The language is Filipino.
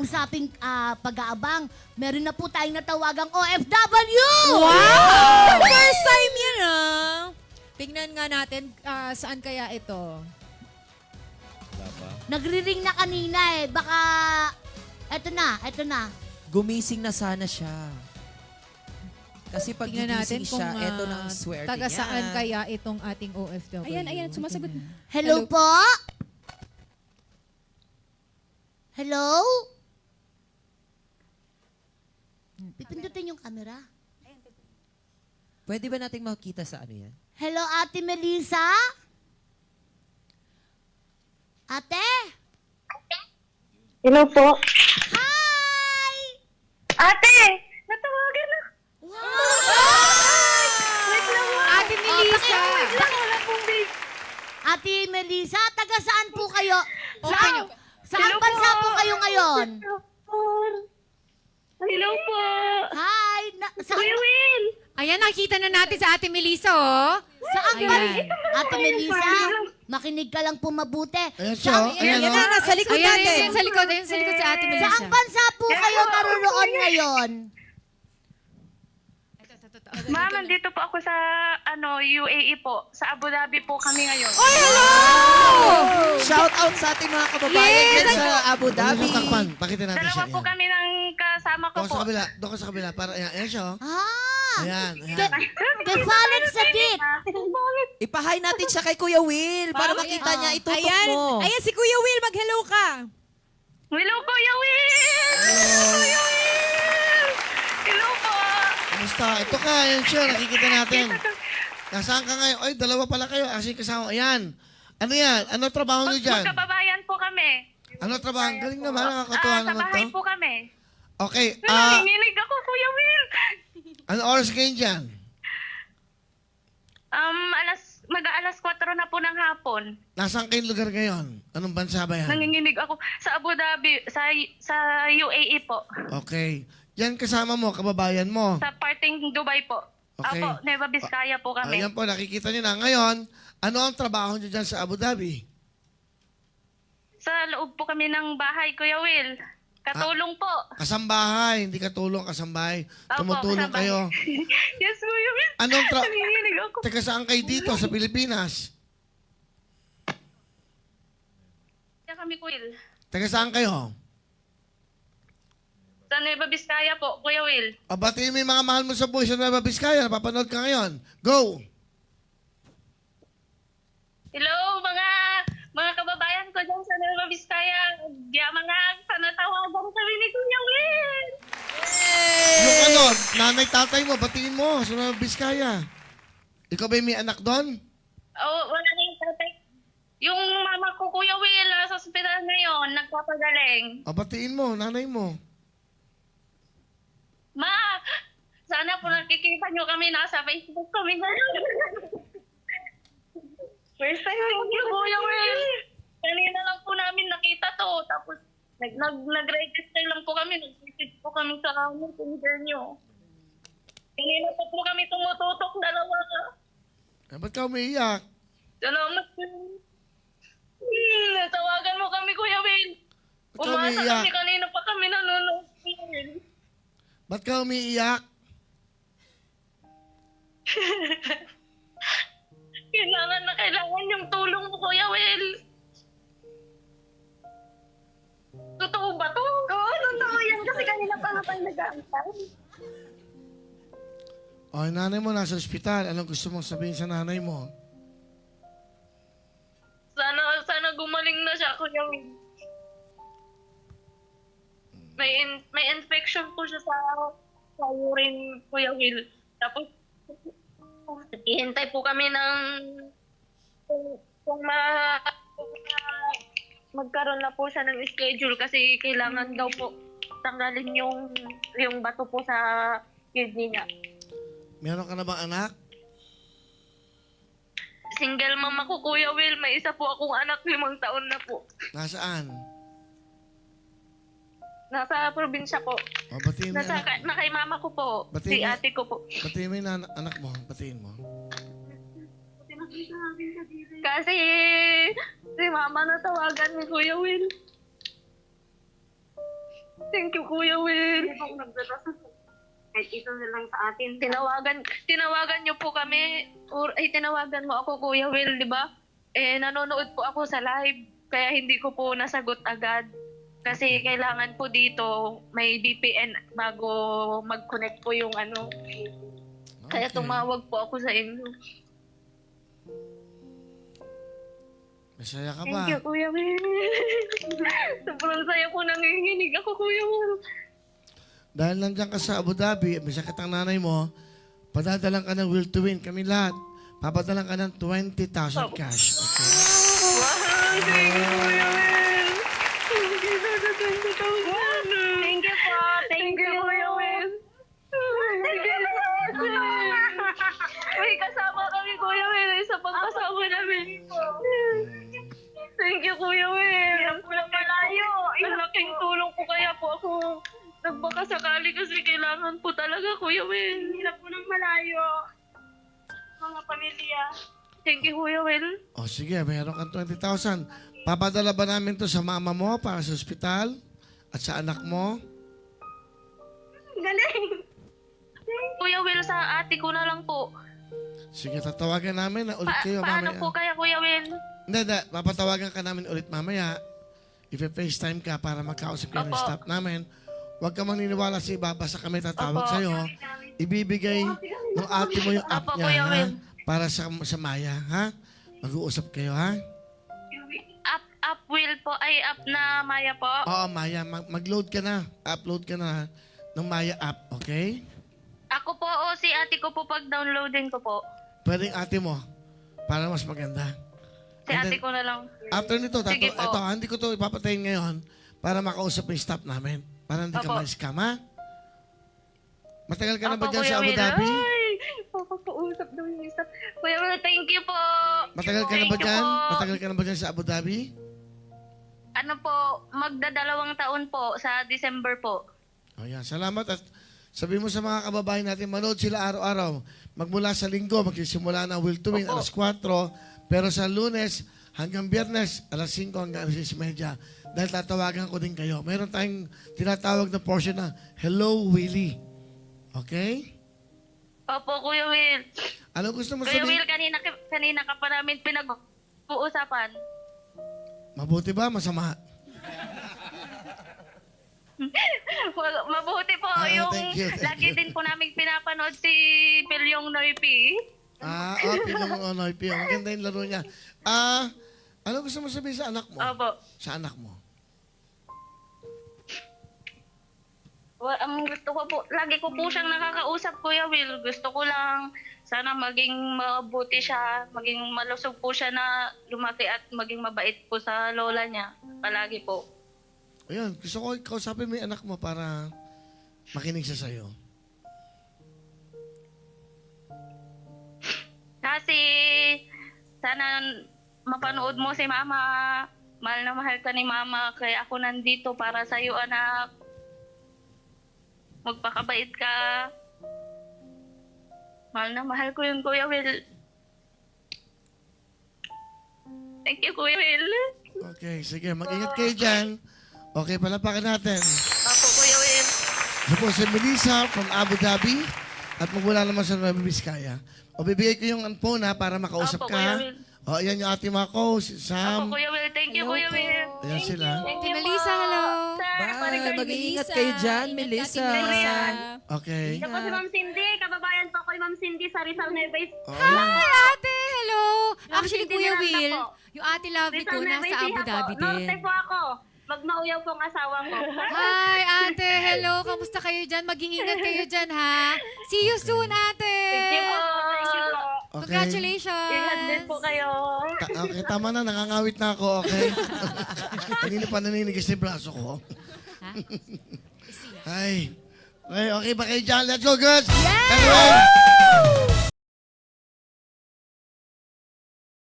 usaping pag-aabang. Meron na po tayong natawagang OFW! Wow! First time yan, Tingnan nga natin saan kaya ito. Nagri-ring na kanina eh. Baka, eto na. Gumising na sana siya. Kasi pag Tingnan natin gigising kung siya, eto na ang swerte taga niya. saan kaya itong ating OFW. Ayan, sumasagot. Hello po? Hello? Pipindutin yung camera. Pwede ba nating makita sa ano yan? Hello, Ate Melissa? Ate? Hello po. Hi! Ate! Natawagan na. Ate Melissa! Wala pong base. Ate Melissa, taga saan po kayo? Okay. Saan Hello bansa po. po kayo ngayon? Hello po. Hi! Kuya Will. Ayan, nakita na natin sa Ate Melissa, oh. Saan Ayan. bansa? Ate Melissa, makinig ka lang po mabuti. Ayan siya, Ayan, ayan, na, nasa likod natin. Ayan, sa likod si Ate Melissa. Saan bansa po kayo naroon ngayon? Ma'am, nandito po ako sa UAE po. Sa Abu Dhabi po kami ngayon. Oy, hello! Shout out sa ating mga kababayan Yes! dyan sa Abu Dhabi. Dhabi. Takpan, pakita natin Dalawa siya. po kami ng kasama ko Doon po. sa kabila, doon ka sa kabila. Para, ayan siya, oh. Ah! Ayan, ayan. Kefalet sa dit! Ipahay natin siya kay Kuya Will para makita niya. Itutok mo. Ayan, si Kuya Will, mag-hello ka. Hello, Kuya Will! Kuya Will! Hello po! Kamusta? Ito ka, ayan siya, nakikita natin. Nasaan ka ngayon? Ay, dalawa pala kayo. Kasi kasama, ayan. Ano yan? Ano trabaho niyo dyan? Magkababayan po kami. Ano trabaho? Galing naman, nakakatuwa Sa naman bahay to. po kami. Okay, Nanginginig ako, Kuya Will! ano oras kayo dyan? Mag-aalas 4 na po ng hapon. Nasaan kayong lugar ngayon? Anong bansa ba yan? Nanginginig ako sa Abu Dhabi, sa UAE po. Okay. Yan kasama mo, kababayan mo. Sa parting Dubai po. Okay. Apo, Nueva Vizcaya po kami. Ayan po, nakikita niyo na. Ngayon, ano ang trabaho niyo dyan sa Abu Dhabi? Sa loob po kami ng bahay, Kuya Will. Katulong po. Kasambahay, hindi katulong, kasambahay. Opo, Tumutulong kasabay. kayo. Yes, Kuya Will. Anong Nanginginig ako. Teka, saan kayo dito sa Pilipinas? Kaya kami, Kuya Will. Teka, saan kayo? Sa Nueva Vizcaya po, Kuya Will. O, batiin mo yung mga mahal mo sa buhay sa Nueva Vizcaya. Napapanood ka ngayon. Go! Hello, mga kababayan ko dyan sa Nueva Vizcaya. Mga panatawagan kami ni Kuya Will. Yung ano, nanay, tatay mo, batiin mo sa Nueva Vizcaya. Ikaw ba yung may anak doon? Oh, wala na yung tatay. Yung mama ko, Kuya Will, nasa ospital ngayon, nagpapagaling. O, batiin mo, nanay mo. Ma, sana po nakikita nyo kami, nasa Facebook kami ngayon. First time yung Kuya Will. Kanina lang po namin nakita to. Tapos nag-register lang po kami. Nag-message po kami sa messenger nyo. Kanina pa po kami tumututok dalawa. Ba't ka umiiyak? Salamat po. Natawagan mo kami, Kuya Will. Ba't ka Umasa umiiyak? kami, kanina pa kami nanonood. Ba't ka umiiyak? Kailangan na kailangan yung tulong mo, Kuya Will. Totoo ba to? Oo, totoo yan. Kasi kanina pa nga tayo nag-aantay. O, yung nanay mo nasa ospital. Anong gusto mong sabihin sa nanay mo? Sana gumaling na siya, Kuya Will. May infection po siya sa urine, Kuya Will. Tapos, hihintay po kami ng kung magkaroon na po siya ng schedule kasi kailangan daw po tanggalin yung bato po sa kidney niya. Meron ka na bang anak? Single mama ko, Kuya Will. May isa po akong anak, 5 taon na po. Nasaan? Nasa probinsya po. O, batiin mo yung anak. Na kay mama ko po. Batiin Si mo- ate ko po. Batiin mo yung anak mo. Batiin mo. Kasi si mama natawagan ni Kuya Will. Thank you, Kuya Will. Hindi po ako nagdadasal. Kahit ito na lang sa atin. Tinawagan niyo po kami, tinawagan mo ako, Kuya Will, di ba? Nanonood po ako sa live, kaya hindi ko po nasagot agad. Kasi kailangan po dito, may VPN bago mag-connect po yung ano. Kaya Okay. tumawag po ako sa inyo. Masaya ka ba? Thank you, Kuya Will. Sobrang saya ko, nanginginig ako, Kuya Will. Dahil nandiyan ka sa Abu Dhabi, may sakit ang nanay mo, padadalang ka ng will to win. Kami lahat, papadalang ka ng 20,000 cash. Okay? Wow, thank you, Kuya Will. Thank you for the 20,000. Thank you po. Thank you, Kuya Will. Thank you, May kasama kami, Kuya Will, sa pagkasama namin. Thank you, Kuya Will. Ang malayo. Ang laking tulong po kaya po ako nagbakasakali kasi kailangan po talaga, Kuya Will. Hirap po ng malayo. Mga pamilya. Thank you, Kuya Will. O sige, mayroon kang 20,000. Papadala ba namin to sa mama mo para sa ospital at sa anak mo? Galing. Kuya Will, sa ate ko na lang po. Sige, tatawagan namin na ulit kayo Paano mamaya. po kaya, Kuya Will? Hindi, papatawagan ka namin ulit mamaya. If-FaceTime ka para magkausap kayo ng Opo. staff namin. Huwag ka maniniwala sa iba, basta kami tatawag Opo. sa'yo. Ibibigay ng ate mo yung app Opo, niya, Kuya ha? Will. Para sa Maya, ha? Mag-uusap kayo, ha? Up Will po, up na Maya po. Oo, Maya, mag-load ka na. Upload ka na ng Maya app, okay? Ako po o si ate ko po pag downloadin ko po. Pwedeng ate mo, para mas maganda. Si And ate then, ko na lang. After nito, Sige po. hindi ko to ipapatayin ngayon para makausap yung staff namin. Para hindi ka Opo. ma-scam, ha? Matagal ka na ba Opo, dyan Kuya sa Abu Will. Dhabi? Ay, papakausap daw yung isa. Kuya Will, thank you po. Matagal ka na ba Thank you dyan? po. Matagal ka na ba dyan sa Abu Dhabi? Ano po, magdadalawang taon po sa December po. O yan, salamat at sabi mo sa mga kababayan natin, manood sila araw-araw. Magmula sa linggo, magsisimula na Will to Win, Opo. alas 4. Pero sa Lunes hanggang Biyernes, alas 5 hanggang alas 6:30. Dahil tatawagan ko din kayo. Meron tayong tinatawag na portion na Hello, Willie. Okay? Opo, Kuya Will. Ano gusto mo Kuya sabihin? Will, kanina ka pa namin pinag-uusapan. Mabuti ba? Masama? Mabuti po yung thank you. lagi din po namin pinapanood si Pilyong Noipi. Pinong Onoy Pio. Maganda yung laro niya. Ano gusto mo sabihin sa anak mo? Opo. Sa anak mo? Ang gusto ko po, lagi ko po siyang nakakausap, Kuya Will. Gusto ko lang sana maging mabuti siya, maging malusog po siya na lumaki at maging mabait po sa lola niya. Palagi po. Ayun, gusto ko kausapin mo yung anak mo para makinig siya sa'yo. Kasi sana mapanood mo si Mama. Mahal na mahal ka ni Mama. Kaya ako nandito para sa iyo, anak. Magpakabait ka. Mahal na mahal ko yung Kuya Will. Thank you, Kuya Will. Okay, sige. Mag-ingat kayo dyan. Okay, palapakan natin. Opo, Kuya Will. Ito po si Melissa from Abu Dhabi at magmula naman sa Nueva Vizcaya. O bibigay ko yung phone ha para makausap Opo, ka. Kuya Will. O, ayan yung ate Mako, si Opo, Sam. Kuya Will. Thank you, Kuya Will. Ayan sila. Thank Ate you Melissa, po. hello. Sir, Bye. Maricar Mag-iingat Melissa. kayo dyan, Ingat Melissa. ka, Ate Melissa. Okay. Ito po si Ma'am Cindy. Kababayan po ko yung Ma'am Cindy sa Rizal Nueva O, ayan. Hi, ate! Hello! Actually, Cindy Kuya Miranda Will, po. yung ate Lovely ko, nasa Abu Dhabi din. Norte po ako. Magmauyaw po ang asawa ko. Hi, ate! Hello! Kamusta kayo dyan? Mag-iingat kayo dyan, ha? See you soon, ate! Thank you po. Thank you po. Okay. Congratulations! Ingat din po kayo. Okay, tama na. Nangangawit na ako, okay? Kanina pa naninigas yung braso ko. Ha? Ay. Okay ba kayo dyan? Let's go, girls! Yes! Anyway,